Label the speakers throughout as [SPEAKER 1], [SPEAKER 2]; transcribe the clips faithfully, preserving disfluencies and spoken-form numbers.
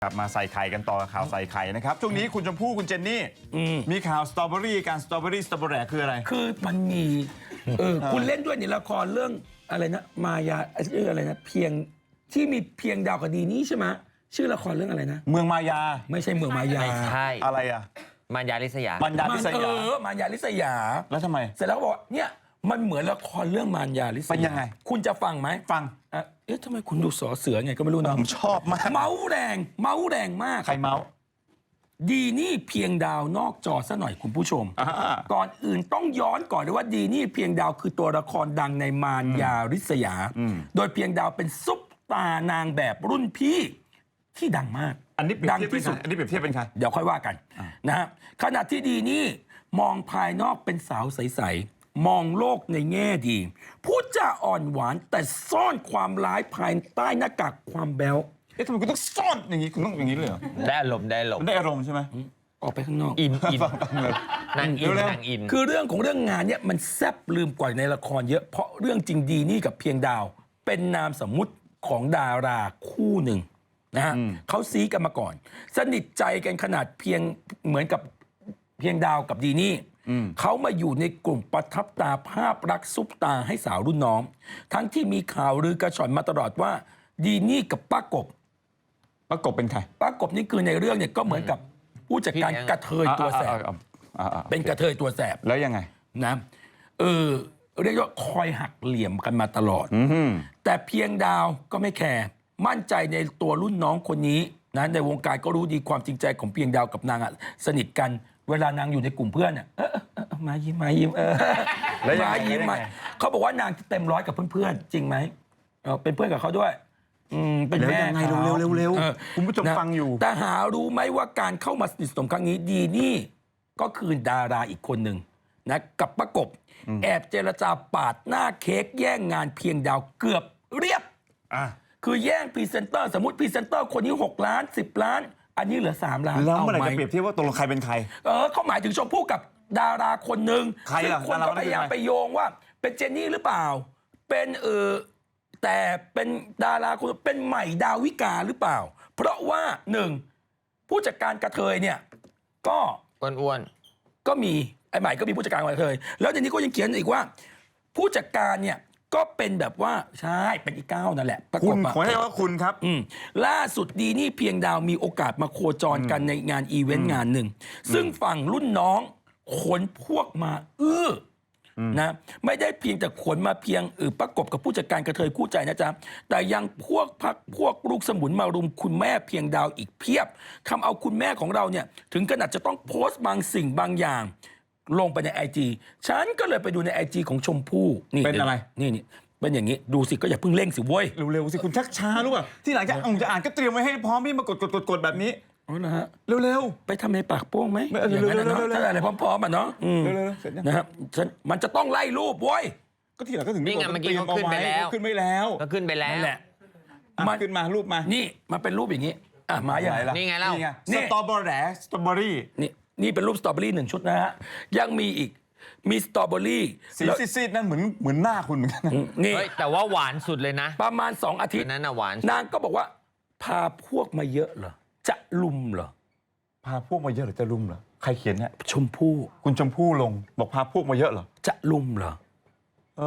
[SPEAKER 1] กลับมาใส่ไข่กันต่อข่าวใส่ไข่นะครับช่วงนี้คุณชมพู่คุณเจนนี่มีข่าวสตรอเบอรี่การสตรอเบอรี่สตรอเบอรี่คืออะไร
[SPEAKER 2] คือมันมีเออคุณเล่นด้วยในละครเรื่องอะไรนะมายาเรื่องอะไรนะเพียงที่มีเพียงดาวกับดีนี่ใช่ไหมชื่อละครเรื่องอะไรนะ
[SPEAKER 1] เมืองมายา
[SPEAKER 2] ไม่ใช่เมืองมายา
[SPEAKER 3] ใช่
[SPEAKER 1] อะไรอ่ะ
[SPEAKER 3] มารยาลิษยา
[SPEAKER 1] มันยาลิษยา
[SPEAKER 2] เออมารยาลิษยา
[SPEAKER 1] แล้วทำไม
[SPEAKER 2] เสร็จแล้วก็บอกเนี่ยมันเหมือนละครเรื่องมารยาลิษยา
[SPEAKER 1] เป็นยังไง
[SPEAKER 2] คุณจะฟังไหม
[SPEAKER 1] ฟัง
[SPEAKER 2] อ่ะเอ๊ะทำไมคุณดูสอเสือไงก็ไม่รู้นะ
[SPEAKER 1] ผมชอบมาก
[SPEAKER 2] เมาแรงเมาแรงมาก
[SPEAKER 1] ใครเมา
[SPEAKER 2] ดีนี่เพียงดาวนอกจอซะหน่อยคุณผู้ชมก่อนอื่นต้องย้อนก่อนเลยว่าดีนี่เพียงดาวคือตัวละครดังในมารยาลิษยาโดยเพียงดาวเป็นซุปตานางแบบรุ่นพี่ที่ดังมาก
[SPEAKER 1] อันนี้ดังที่สุดอันนี้เปรียบเทียบเป็นใคร
[SPEAKER 2] เดี๋ยวค่อยว่ากันนะฮะขณะที่ดีนี่มองภายนอกเป็นสาวใสๆมองโลกในแง่ดีพูดจาอ่อนหวานแต่ซ่อนความร้ายภายใต้หน้ากากความแบ๊ว
[SPEAKER 1] เอ๊ะทำไมคุณต้องซ่อนอย่างนี้คุณต้องอย่างนี้เลยเหรอ
[SPEAKER 3] ได้อารมณ์ได้อารมณ์
[SPEAKER 1] ได้อารมณ์ใช่ไหม
[SPEAKER 2] ออกไปข้างนอก
[SPEAKER 3] อินอินนางอินนางอิน
[SPEAKER 2] คือเรื่องของเรื่องงานเนี่ยมันแซ่บลืมกว่าในละครเยอะเพราะเรื่องจริงดีนี่กับเพียงดาวเป็นนามสมมุติของดาราคู่หนึ่งนะฮะเขาซีกันมาก่อนสนิทใจกันขนาดเพียงเหมือนกับเพียงดาวกับดีนี่เขามาอยู่ในกลุ่มประทับตาภาพรักซุปตาให้สาวรุ่นน้องทั้งที่มีข่าวลือกระชอนมาตลอดว่าดีนี่กับป้ากบ
[SPEAKER 1] ป้ากบเป็นใคร
[SPEAKER 2] ป้ากบนี่คือในเรื่องเนี่ยก็เหมือนกับผู้จัดการกระเทยตัวแสบเป็นกระเทยตัวแสบ
[SPEAKER 1] แล้วยังไง
[SPEAKER 2] นะเออเรียกว่าคอยหักเหลี่ยมกันมาตลอดแต่เพียงดาวก็ไม่แคร์มั่นใจในตัวรุ่นน้องคนนี้นะในวงการก็รู้ดีความจริงใจของเพียงดาวกับนางอะสนิทกันเวลานางอยู่ในกลุ่มเพื่อนอ่ะเออมายิ้มมายิ้มเออมายิ้มมาเขาบอกว่านางเต็มร้อยกับเพื่อนๆจริงไหมเออเป็นเพื่อนกับเขาด้วยอืมเป็นแม่
[SPEAKER 1] ยังไงเร็วเร็วเร็วคุณผู้ชมฟังอยู่
[SPEAKER 2] แต่หารู้ไหมว่าการเข้ามาสนิทสนมครั้งนี้ดีนี่ก็คือดาราอีกคนหนึ่งนะกับประกบแอบเจรจาปาดหน้าเค้กแย่งงานเพียงดาวเกือบเรียบคือแย่งพรีเซนเตอร์สมมติพรีเซนเตอร์คนนี้หกล้านสิบล้านอันนี้เหลือสามล้าน
[SPEAKER 1] แล้วเมื่อไหร่จะเปรียบเทียบว่าตกลงใครเป็นใคร
[SPEAKER 2] เออเขาหมายถึงชมพู่กับดาราคนหนึ่ง
[SPEAKER 1] ใครล่ะ
[SPEAKER 2] คนก็พยายามไปโยงว่าเป็นเจนนี่หรือเปล่าเป็นเออแต่เป็นดาราคนเป็นใหม่ดาวิกาหรือเปล่าเพราะว่าหนึ่งผู้จัดการกระเทยเนี่ยก็
[SPEAKER 3] อ้วน
[SPEAKER 2] ๆก็มีไอ้ใหม่ก็มีผู้จัดการกระเทยแล้วในนี้ก็ยังเขียนอีกว่า ผู้จัดการเนี่ยก็เป็นแบบว่าใช่เป็นอีก้าวนั่นแหละ
[SPEAKER 1] คุณขอให้ว่าคุณครับ
[SPEAKER 2] ล่าสุดดีนี่เพียงดาวมีโอกาสมาโคจรกันในงานอีเวนต์งานหนึ่งซึ่งฝั่งรุ่นน้องขนพวกมาอื้อนะไม่ได้เพียงแต่ขนมาเพียงเออประกบกับผู้จัดการกระเทยคู่ใจนะจ๊ะแต่ยังพวกพักพวกลูกสมุนมารุมคุณแม่เพียงดาวอีกเพียบทำเอาคุณแม่ของเราเนี่ยถึงขนาดจะต้องโพสต์บางสิ่งบางอย่างลงไปในไอจีฉันก็เลยไปดูในไอจีของชมพู่
[SPEAKER 1] นี่เป็นอะไร
[SPEAKER 2] นี่นี่เป็นอย่างนี้ดูสิก็อย่าเพิ่งเร่งสิเว้ย
[SPEAKER 1] เร็วๆสิคุณชักช้ารู้ป่ะที่หลังจะอ่านจะอ่านก็เตรียมไว้ให้พร้อมพี่มากดกดกดกดแบบนี้
[SPEAKER 2] อ๋อนะฮะ
[SPEAKER 1] เร็ว
[SPEAKER 2] ๆไปทำในปากโป้งไหม
[SPEAKER 1] อย่างนั้นนะ
[SPEAKER 2] ถ้าอะไรพร้อมๆอ่ะเนาะ
[SPEAKER 1] เร็วๆเสร็จ
[SPEAKER 2] นะครับมันจะต้องไล่รูปเว้ย
[SPEAKER 1] ก็ที่หลังก็ถึง
[SPEAKER 3] นี่ไงเมื่อกี้เขาขึ้นไปแล้ว
[SPEAKER 1] ขึ้นไม่แล้ว
[SPEAKER 3] ก็ขึ้นไปแล้ว
[SPEAKER 2] นั่นแหละ
[SPEAKER 1] มันขึ้นมารูปมา
[SPEAKER 2] นี่มันเป็นรูปอย่างนี้อ่ะมาอย่างไรล่ะ
[SPEAKER 3] นี่ไงเล่า
[SPEAKER 1] สตรอเบอรี่สตรอเบอรี่
[SPEAKER 2] นี่นี่เป็นรูปสตรอเบอรี่หนึ่งชุดนะฮะยังมีอีกมีสตรอเบอรี่
[SPEAKER 1] สีซีดๆนั่นเหมือนเหมือนหน้าคุณเหมือนกัน
[SPEAKER 2] นี่
[SPEAKER 3] แต่ว่าหวานสุดเลยนะ
[SPEAKER 2] ประมาณสองอาทิตย์
[SPEAKER 3] นั้นน่ะหวาน
[SPEAKER 2] นางก็บอกว่าพาพวกมาเยอะเหรอจะลุมเหรอ
[SPEAKER 1] พาพวกมาเยอะหรือจะลุมเหรอใครเขียนเนี่ย
[SPEAKER 2] ชมพู่
[SPEAKER 1] คุณชมพู่ลงบอกพาพวกมาเยอะเหรอ
[SPEAKER 2] จะลุมเหรอ
[SPEAKER 1] เอ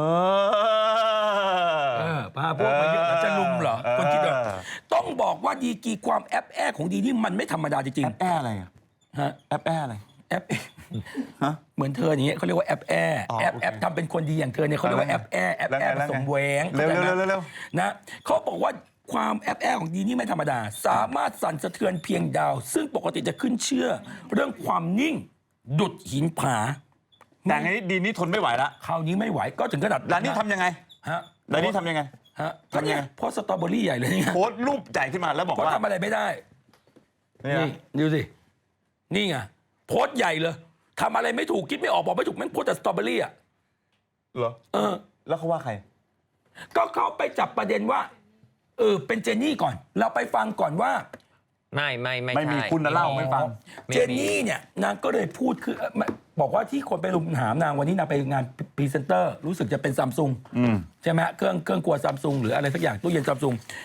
[SPEAKER 2] อพาพวกมาเยอะแล้วจะลุมเหรอคนคิดว่าต้องบอกว่าดีกีความแอปแอของดีนี่มันไม่ธรรมดาจริงๆ
[SPEAKER 1] แอปแออะไรอะ
[SPEAKER 2] ฮะ
[SPEAKER 1] แอปแออะไร
[SPEAKER 2] แอปเหมือนเธออย่างเงี้ยเขาเรียกว่าแอปแอแอปแอปทำเป็นคนดีอย่างเธอเนี่ยเขาเรียกว่าแอปแอแอปแอผสมแหวง
[SPEAKER 1] เร็วเร็วเร็ว
[SPEAKER 2] นะเขาบอกว่าความแอปแอของดีนี่ไม่ธรรมดาสามารถสั่นสะเทือนเพียงดาวซึ่งปกติจะขึ้นเชื่อเรื่องความนิ่งดุดหินผา
[SPEAKER 1] แต่ไงดีนี่ทนไม่ไหวละ
[SPEAKER 2] คราวนี้ไม่ไหวก็ถึงขนาด
[SPEAKER 1] แล้วนี่ทำยังไง
[SPEAKER 2] ฮะ
[SPEAKER 1] แล้วนี่ทำยังไง
[SPEAKER 2] ฮะทำยังไงโพสสตรอเบอรี่ใหญ่เลย
[SPEAKER 1] โพสรูปใหญ่ขึ้นมาแล้วบอกว่า
[SPEAKER 2] ทำอะไรไม่ได้นี่ดูสินี่ไงโพสใหญ่เลยทำอะไรไม่ถูกคิดไม่ออกบอกไม่ถูกแม่งโพสแต่สตรอเบอรี่อ่ะ
[SPEAKER 1] เหรอ
[SPEAKER 2] เออ
[SPEAKER 1] แล้วเขาว่าใคร
[SPEAKER 2] ก็เขาไปจับประเด็นว่าเออเป็นเจนนี่ก่อนเราไปฟังก่อนว่า
[SPEAKER 3] ไม่ไม่ไม่
[SPEAKER 1] ไม่มีคุณนะเล่าไม่ฟัง
[SPEAKER 2] เจนนี่เนี่ยนางก็เลยพูดคือบอกว่าที่คนไปรุมถามนางวันนี้นางไปงานพรีเซนเตอร์รู้สึกจะเป็นซัมซุงใช่ไหมเครื่องเครื่องครัวซัมซุงหรืออะไรสักอย่างตู้เย็นซัมซุง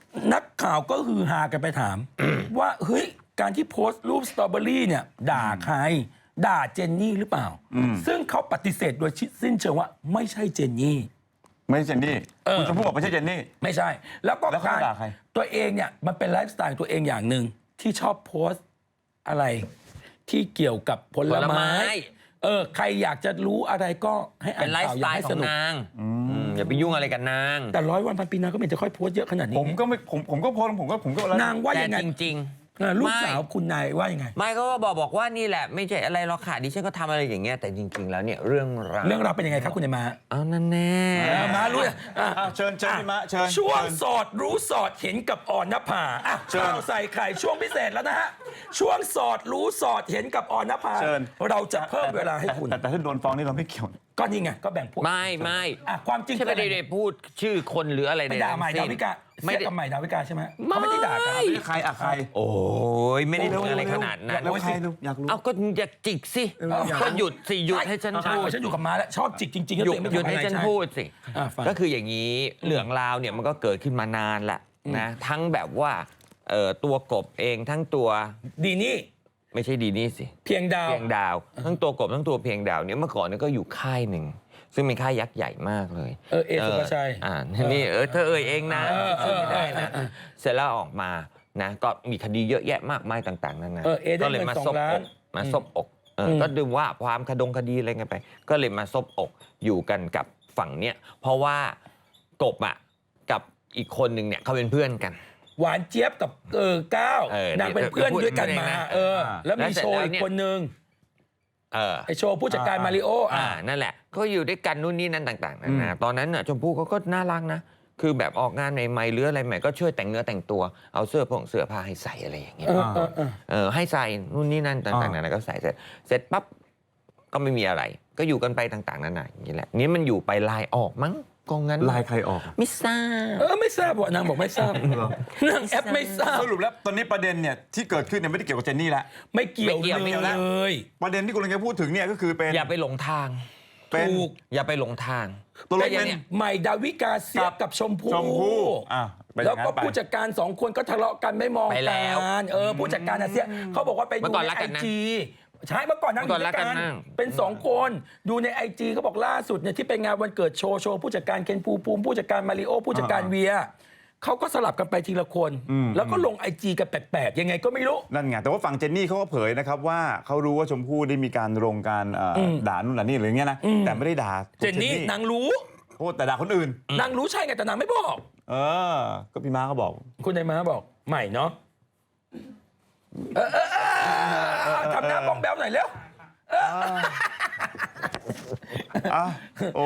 [SPEAKER 2] นักข่าวก็ฮือฮากันไปถาม ว่าเฮ้ยการที่โพสต์รูปสตรอเบอรี่เนี่ยด่าใคร ด่าเจนนี่หรือเปล่า ซึ่งเขาปฏิเสธโดยสิ้นเชิงว่าไม่ใช่เจนนี่
[SPEAKER 1] ไม่ใช่เจนนี่
[SPEAKER 2] เออ
[SPEAKER 1] คุณชมพู่บอกไม่ใช่เจนนี่
[SPEAKER 2] ไม่ใช่ แล้วก็
[SPEAKER 1] แล้วเขาด่าใคร
[SPEAKER 2] ตัวเองเนี่ยมันเป็นไลฟ์สไตล์ตัวเองอย่างหนึ่งที่ชอบโพสต์อะไรที่เกี่ยวกับผล
[SPEAKER 3] ผลไม้
[SPEAKER 2] ไม้ เออใครอยากจะรู้อะไรก็ให้อ่า
[SPEAKER 3] เป็น นไลฟ์
[SPEAKER 2] ข่าว
[SPEAKER 3] ส
[SPEAKER 2] อ
[SPEAKER 3] ไต
[SPEAKER 2] ย่า
[SPEAKER 3] ล์
[SPEAKER 2] ให้
[SPEAKER 3] ขอ
[SPEAKER 2] ส
[SPEAKER 3] ง
[SPEAKER 2] นุก
[SPEAKER 3] นางอืมอย่าไปยุ่งอะไรกับนาง
[SPEAKER 2] แต่ร้อยวันพันปีนางก็ไม่เห็นจะค่อยโพสต์เยอะขนาดนี้
[SPEAKER 1] ผมก็ไม่ผมผมก็โพสต์ผมก็ผมก็แล้ว
[SPEAKER 2] นางว่า
[SPEAKER 3] แต่
[SPEAKER 2] ยังไง
[SPEAKER 3] จริง
[SPEAKER 2] เออลูก
[SPEAKER 3] ไม่
[SPEAKER 2] สาวคุณนายว่ายังไง
[SPEAKER 3] ๆ ไม่เขาก็บอกบอกว่านี่แหละ ไม่ใช่อะไรหรอกค่ะดิฉันก็ทำอะไรอย่างเงี้ยแต่จริง ๆ แล้วเนี่ยเรื่องราว
[SPEAKER 2] เรื่องราวเป็นยังไงครับคุณนายมา
[SPEAKER 3] เอานั่นแน่
[SPEAKER 2] เออมารู้อ่ะ
[SPEAKER 1] อ่ะเชิญเชิญพี่มะเชิญ
[SPEAKER 2] ช่วง
[SPEAKER 1] เชิญ
[SPEAKER 2] สอดรู้สอดเห็นกับอ่อนนภาอ่ะ
[SPEAKER 1] เชิญ
[SPEAKER 2] ข่าวใส่ไข่ช่วงพิเศษแล้วนะฮะช่วงสอดรู้สอดเห็นกับอ่อนนภา
[SPEAKER 1] เชิญ
[SPEAKER 2] เราจะเพิ่มเวลาให้คุณ
[SPEAKER 1] แต่แต่ถ้าโดนฟ้องนี่เราไม่เกี่ยว
[SPEAKER 2] ก็นี่ไงก็แบ่งพวก
[SPEAKER 3] ไม่ไม่
[SPEAKER 2] อ่ะความจริง
[SPEAKER 3] ใช่ไม่ได้ได้พูดชื่อคนหรืออะไร
[SPEAKER 2] ไป
[SPEAKER 3] ใด
[SPEAKER 2] ด่าใหม่
[SPEAKER 3] ทั้
[SPEAKER 2] ดาง วิ
[SPEAKER 3] สิ้น
[SPEAKER 2] กา
[SPEAKER 3] ไม่
[SPEAKER 2] เสีย
[SPEAKER 3] ได้
[SPEAKER 2] กับใหม่ดาวิกาใช่ไหม
[SPEAKER 3] ไม่
[SPEAKER 2] เขาไม่ได้ด่ากัน
[SPEAKER 1] ใครอะใคร
[SPEAKER 3] โอ้ยไม่ได้พูดอะไรขนาดนั้น
[SPEAKER 1] แล้วใครลูกอยากรู้
[SPEAKER 3] เอาก็อยากจิกสิ
[SPEAKER 1] เอออยากรู้
[SPEAKER 3] ก็หยุดสิหยุดให้ฉัน
[SPEAKER 2] ใช่
[SPEAKER 3] พูด
[SPEAKER 2] ฉันอยู่กับม้าแล้วชอบจิกจริงๆแล้ว
[SPEAKER 3] หยุ
[SPEAKER 2] ตัว
[SPEAKER 3] ด
[SPEAKER 2] เองไม่
[SPEAKER 3] หยุด
[SPEAKER 2] ทำอะ
[SPEAKER 3] ให้
[SPEAKER 2] ไร
[SPEAKER 3] ฉัน
[SPEAKER 2] ใช่
[SPEAKER 3] พูดสิ
[SPEAKER 2] อ่ะฟัง
[SPEAKER 3] ก็คืออย่างนี้เรื่องราวเนี่ยมันก็เกิดขึ้นมานานละนะทั้งแบบว่าเอ่อตัวกบเองทั้งตัว
[SPEAKER 2] ดีนี่
[SPEAKER 3] ไม่ใช่ดีนี่สิ
[SPEAKER 2] เพียงดาว
[SPEAKER 3] เพียงดาว ทั้งตัวกบทั้งตัวเพียงดาวเนี่ยเมื่อก่อนเนี่ยก็อยู่ค่ายหนึ่งซึ่งเป็นค่ายยักษ์ใหญ่มากเลย
[SPEAKER 2] เออเอสุภาชัย
[SPEAKER 3] อ่านี่เออเธอเอ่ยเองนะ
[SPEAKER 2] เออเออ
[SPEAKER 3] ไม่ได้นะ
[SPEAKER 2] เออเออ
[SPEAKER 3] เสร็จแล้วออกมานะก็มีคดีเยอะแยะมากมายต่างๆนั่นนะ
[SPEAKER 2] เออเอได้
[SPEAKER 3] ก็เลย
[SPEAKER 2] เงิน
[SPEAKER 3] มา
[SPEAKER 2] สอง
[SPEAKER 3] ซบอก
[SPEAKER 2] ล้าน
[SPEAKER 3] มาซบอกเอออ
[SPEAKER 2] ม
[SPEAKER 3] ก็ดูว่าความคดงคดีอะไรกันไป ก็เลยมาซบอกอยู่กันกับฝั่งเนี้ยเพราะว่ากบอ่ะกับอีกคนหนึ่งเนี่ยเขาเป็นเพื่อนกัน
[SPEAKER 2] หวานเจี๊ยบกับเออก้าว
[SPEAKER 3] เออน
[SPEAKER 2] างเป็นเพื่อน
[SPEAKER 3] พูด
[SPEAKER 2] ด้วยกัน
[SPEAKER 3] พูดเอง
[SPEAKER 2] มา
[SPEAKER 3] นะ
[SPEAKER 2] เออ แล้ว
[SPEAKER 3] แล้ว
[SPEAKER 2] มี
[SPEAKER 3] เสร็จ
[SPEAKER 2] โชว์
[SPEAKER 3] แล้ว
[SPEAKER 2] อีก
[SPEAKER 3] เนี่ย
[SPEAKER 2] คนนึง
[SPEAKER 3] เออ
[SPEAKER 2] ไอโชว์ผู้จัดการ
[SPEAKER 1] อ่า
[SPEAKER 2] มาริโอ
[SPEAKER 3] อ่า
[SPEAKER 2] อ่ะ
[SPEAKER 3] นั่นแหละก็อยู่ด้วยกันนู่นนี่นั่นต่างๆนานาตอนนั้นน่ะชมพู่เขาก็น่ารักนะ คือแบบออกงานใหม่ๆหรืออะไรใหม่ก็ช่วยแต่งเนื้อแต่งตัวเอาเสื้อผงเสื้อผ้าให้ใส่อะไรอย่างเงี้ย
[SPEAKER 2] เออเออเออ
[SPEAKER 3] เออให้ใส่นู่นนี่นั่นต่างๆนานาก็ใส่เสร็จเสร็จปั๊บก็ไม่มีอะไร ก็อยู่กันไปต่างๆนานาอย่างนี้แหละนี่มันอยู่ไปลายออกมั้งกองงั้น
[SPEAKER 1] ลายใครออก
[SPEAKER 3] ไม่ทราบ
[SPEAKER 2] เออไม่ทราบว่ะนางบอกไม่ทราบนางแอปไม่ทราบ
[SPEAKER 1] สรุปแล้วตอนนี้ประเด็นเนี่ยที่เกิดขึ้นเนี่ยไม่ได้เกี่ยวกับเจนนี่แล้ว
[SPEAKER 2] ไม่เกี่ยว
[SPEAKER 3] ไม่เกี่ยวไม่เกี่ยว
[SPEAKER 2] เลย
[SPEAKER 1] ประเด็นที่คุณกำลังจะพูดถึงเนี่ยก็คือเป็น
[SPEAKER 3] อย่าไปหลงทาง
[SPEAKER 1] เป็น
[SPEAKER 2] ถูก
[SPEAKER 3] อย่าไปหลงทาง
[SPEAKER 1] ตัวเลข
[SPEAKER 3] แต่อย่า
[SPEAKER 1] เป็น
[SPEAKER 3] เนี่ย
[SPEAKER 2] ใหม่ดาวิกาเสียบกับชมพู่
[SPEAKER 1] ชมพู่อ่ะเป็นอ
[SPEAKER 2] แล้ว
[SPEAKER 1] ย่างนั้
[SPEAKER 2] ก็
[SPEAKER 1] นไป
[SPEAKER 2] ผู้จัดการสองคนก็ทะเลาะกันไม่มอง
[SPEAKER 3] ไปแล้
[SPEAKER 2] กั
[SPEAKER 3] วน
[SPEAKER 2] เออผู้จัดการอาเซียเขาบอกว่าไป
[SPEAKER 3] เมื่
[SPEAKER 2] ดู
[SPEAKER 3] อก่อน
[SPEAKER 2] ใน
[SPEAKER 3] รัก
[SPEAKER 2] ไอ
[SPEAKER 3] กันนะ
[SPEAKER 2] จีใช่เมื่อก่อนนั่งอ
[SPEAKER 3] เมื่อก่
[SPEAKER 2] ยู่
[SPEAKER 3] อน
[SPEAKER 2] ด้วยกั
[SPEAKER 3] รักกัน
[SPEAKER 2] น
[SPEAKER 3] มาก
[SPEAKER 2] เป็นสองคนดูในไอจีเขาบอกล่าสุดเนี่ยที่ไปงานวันเกิดโชว์โชว์ผู้จัดการเคนภูมิภูมิผู้จัดการมาริโอผู้จัดการเวียเขาก็สลับกันไปทีละคน แล้วก็ลงไอจีกันแปลกๆยังไงก็ไม่รู้
[SPEAKER 1] นั่นไงแต่ว่าฝั่งเจนนี่เขาก็เผยนะครับว่าเขารู้ว่าชมพู่ได้มีการลงการเอ่ออ
[SPEAKER 2] ม
[SPEAKER 1] ด่านู่นด่านี่หรืออย่างเงี้ยนะ
[SPEAKER 2] อืม
[SPEAKER 1] แต่ไม่ได้ด่า
[SPEAKER 2] เจนนี่นางรู้
[SPEAKER 1] โทษแต่ด่าคนอื่น
[SPEAKER 2] นางรู้ใช่ไงแต่นางไม่บอก
[SPEAKER 1] เออ ก็พี่ม้าเขาบอก
[SPEAKER 2] คุณนายม้าบอกใหม่เนาะเออเออเออเออทำหน้าบ้องแบ๊วหน่อยเร็ว
[SPEAKER 1] อ่ะโอ้